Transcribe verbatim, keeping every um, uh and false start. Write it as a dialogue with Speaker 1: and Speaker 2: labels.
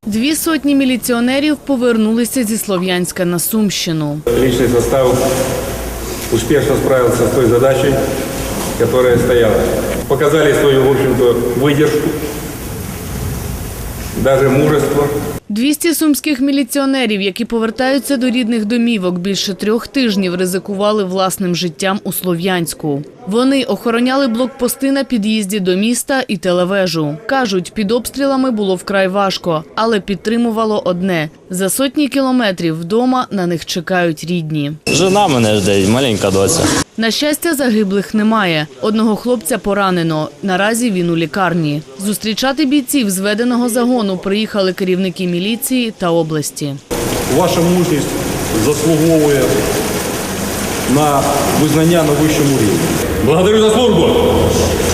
Speaker 1: Дві сотні міліціонерів повернулися зі Слов'янська на Сумщину.
Speaker 2: Личный состав успешно справился с той задачей, которая стояла. Показали свою, в общем-то, выдержку, даже мужество.
Speaker 1: двісті сумських міліціонерів, які повертаються до рідних домівок, більше трьох тижнів ризикували власним життям у Слов'янську. Вони охороняли блокпости на під'їзді до міста і телевежу. Кажуть, під обстрілами було вкрай важко, але підтримувало одне – за сотні кілометрів вдома на них чекають рідні.
Speaker 3: Жена мене жде, маленька доця.
Speaker 1: На щастя, загиблих немає. Одного хлопця поранено. Наразі він у лікарні. Зустрічати бійців зведеного загону приїхали керівники міліції та області.
Speaker 4: Ваша мужність заслуговує на визнання на вищому рівні.
Speaker 2: Благодарю за службу!